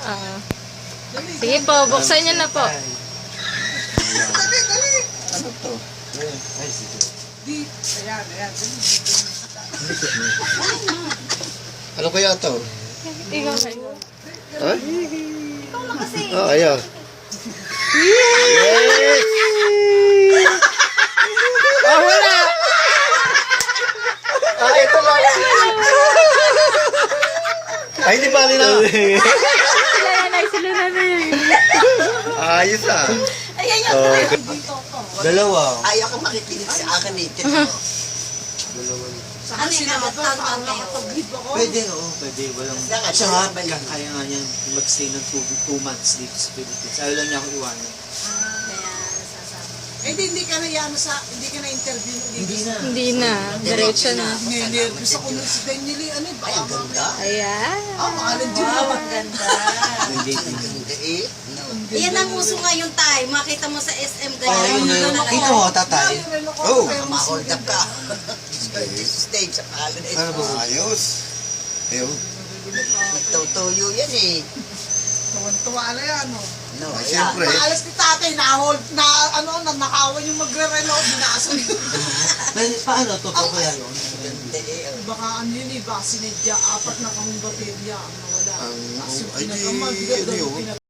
Ah. Sige po, buksan niyo na po. Dali. Ano to? Ay, sige. Ayan. Ano kaya to? Ikaw kayo. Ha? Ikaw na kasi. Oh, ayan. Yes! Ah, wala! Ah, ito lang. Ay, hindi bali na. Sila na yun. Ayos ah. Ayan yan. Oh, Dalawa. Ayaw ko makikinig sa akin eh. Dalawa. Ano yung nakatagpag kayo? Pwede, oo. Pwede. Walang... Saka, Siya nga, balik. kaya nga niyan mag-stay ng 2 months dito sa Philippines. Ayaw lang niya ako iwanan. Eh, hindi ka na yan hindi ka na interview. Hindi na. Diretso na. Nervous ako nun si Daniel. Ano, Ay, baka ang ganda. Ayan. maalan din Wow, naman. ang ganda. Hindi. Ganda eh. Iyan ang uso ngayon tayo. Makita mo sa SM Oh, yun na yun. Kita mo, tatay. Oh. Ma-hold up ka. Stage sa kalan eh. Ano ba? Ayos. Ayun. Nagtutuyo yan eh. Tuwan-tuwa na yan, no? No, Ay, ayan. siyempre. Maalas ni tatay, nakawan yung magre-reload, binaso yun. Paano? Totoo kaya yun? Ganda eh. Baka ano yun eh, baka sinadya, 4 na kahong baterya ang nawala. Ang, Tapos yung ay, di, pinakamal, ano yun?